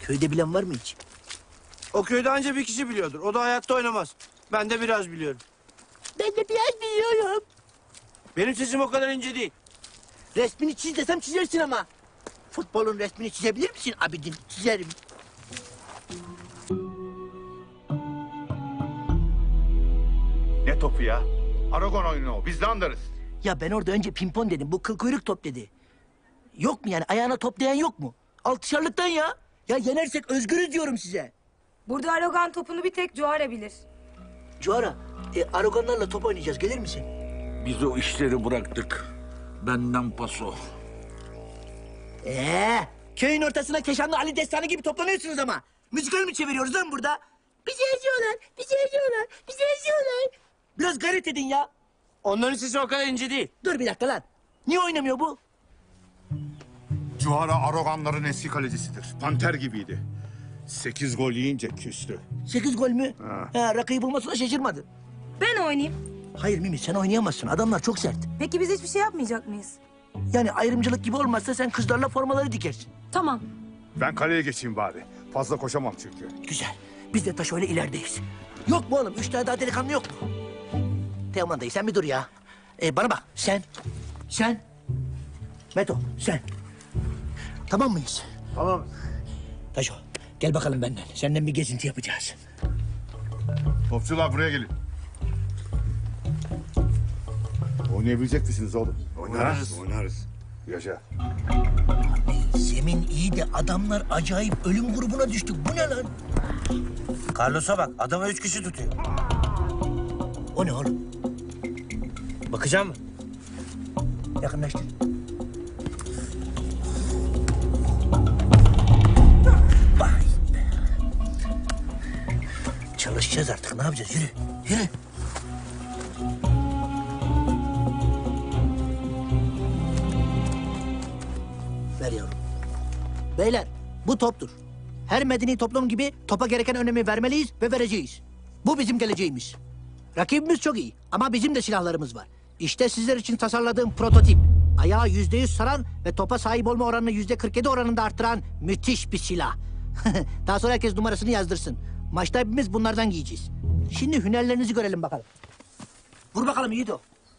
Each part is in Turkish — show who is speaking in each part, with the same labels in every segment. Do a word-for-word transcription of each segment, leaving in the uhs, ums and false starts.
Speaker 1: Köyde bilen var mı hiç?
Speaker 2: O köyde anca bir kişi biliyordur. O da hayatta oynamaz. Ben de biraz biliyorum.
Speaker 1: Ben de biraz biliyorum.
Speaker 2: Benim sesim o kadar ince değil.
Speaker 1: Resmini çiz desem çizersin ama. Futbolun resmini çizebilir misin Abidin? Çizerim.
Speaker 3: Ne topu ya? Aragon oyunu o. Biz de anlarız.
Speaker 1: Ya ben orada önce pimpon dedim. Bu kıl kuyruk top dedi. Yok mu yani? Ayağına toplayan yok mu? Altışarlıktan ya. Ya yenersek özgürüz diyorum size.
Speaker 4: Burada Aragon topunu bir tek Cuara bilir.
Speaker 1: Cuara, e, Aragonlarla top oynayacağız. Gelir misin?
Speaker 5: Biz o işleri bıraktık. Benden paso.
Speaker 1: Ee, köyün ortasına Keşanlı Ali Destanı gibi toplanıyorsunuz ama. Müzikal mi çeviriyoruz lan burada? Bizi eziyorlar, bizi eziyorlar, bizi eziyorlar. Biraz gayret edin ya.
Speaker 2: Onların sesi o kadar ince değil.
Speaker 1: Dur bir dakika lan. Niye oynamıyor bu?
Speaker 3: Cuhara Aragonların eski kalecisidir. Panter gibiydi. Sekiz gol yiyince küstü.
Speaker 1: Sekiz gol mü? Ha. ha rakıyı bulmasına şaşırmadı.
Speaker 4: Ben oynayayım.
Speaker 1: Hayır Mimi, sen oynayamazsın. Adamlar çok sert.
Speaker 4: Peki biz hiçbir şey yapmayacak mıyız?
Speaker 1: Yani ayrımcılık gibi olmazsa sen kızlarla formaları dikersin.
Speaker 4: Tamam.
Speaker 3: Ben kaleye geçeyim bari. Fazla koşamam çünkü.
Speaker 1: Güzel. Biz de taş öyle ilerideyiz. Yok mu oğlum? Üç tane daha delikanlı yok mu? Teoman dayı sen bir dur ya. Ee, bana bak sen, sen, Meto sen. Tamam mıyız?
Speaker 2: Tamam.
Speaker 1: Taşo gel bakalım benden. Senden bir gezinti yapacağız.
Speaker 3: Topçular buraya gelin. Oynayabilecek misiniz oğlum?
Speaker 2: Oynarız.
Speaker 3: Oynarız. Yaşa.
Speaker 1: Zemin iyi de adamlar acayip ölüm grubuna düştük. Bu ne lan?
Speaker 2: Carlos'a bak. Adama üç kişi tutuyor.
Speaker 1: O ne oğlum?
Speaker 2: Bakacağım mı?
Speaker 1: Yakınlaştır. Vay be. Çalışacağız artık. Ne yapacağız? Yürü. Yürü. Ver yavrum. Beyler, bu toptur. Her medeni toplum gibi topa gereken önemi vermeliyiz ve vereceğiz. Bu bizim geleceğimiz. Rakibimiz çok iyi ama bizim de silahlarımız var. İşte sizler için tasarladığım prototip. Ayağı yüzde yüz saran ve topa sahip olma oranını yüzde kırk yedi oranında arttıran müthiş bir silah. Daha sonra herkes numarasını yazdırsın. Maçta hepimiz bunlardan giyeceğiz. Şimdi hünerlerinizi görelim bakalım. Vur bakalım Yiğido.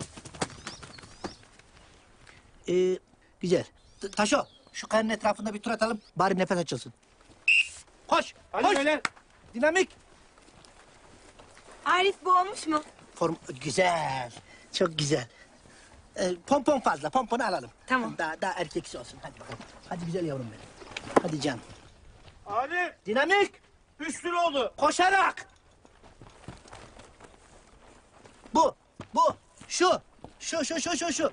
Speaker 1: Ee, güzel. T- Taşo, şu kayanın etrafında bir tur atalım. Bari nefes açılsın. Koş,
Speaker 2: Hadi
Speaker 1: koş.
Speaker 2: beyler.
Speaker 1: Dinamik.
Speaker 4: Arif bu olmuş mu?
Speaker 1: Form güzel. Çok güzel. Ee, pompon fazla. Pomponu alalım.
Speaker 4: Tamam.
Speaker 1: Daha, daha erkeksi olsun. Hadi bakalım. Hadi güzel yavrum benim. Hadi can.
Speaker 2: Hadi.
Speaker 1: Dinamik.
Speaker 2: Üç lira oldu.
Speaker 1: Koşarak. Bu. Bu. Şu. Şu şu şu şu şu.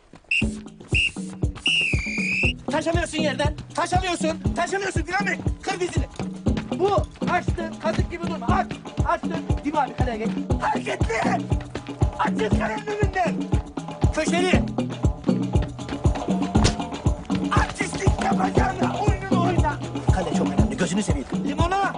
Speaker 1: Taşamıyorsun yerden. Taşamıyorsun. Taşamıyorsun dinamik. Kır dizini. Bu. Açtın. Kazık gibi durma. Aç. Açtın. Değil mi abi kaleye geç. Hareketli. Açın kalenin önünden. Köşeli. Artistlik yapacağına oyununu oyna. Kale çok önemli. Gözünü seveyim. Limona.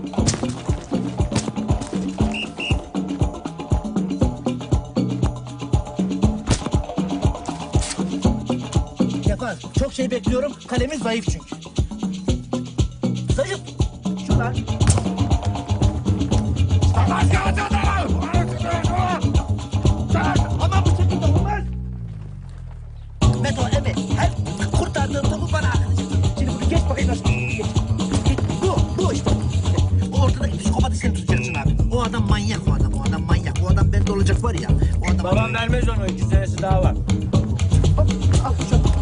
Speaker 1: Yapar. Çok şey bekliyorum. Kalemiz zayıf çünkü. Zayıf. Şuradan. Ama bu şekilde olmaz. Meto, evet. Her kurtardığın topu bana atacaksın. Şimdi bunu geç bakayım nasıl. Geç. Geç. Bu, bu işte. O ortadaki psikopatı sen tutacaksın abi. O adam manyak o adam. O adam manyak. O adam bende olacak var ya. O adam...
Speaker 2: Babam vermez onu. İki senesi daha var.
Speaker 1: Hop, al şu.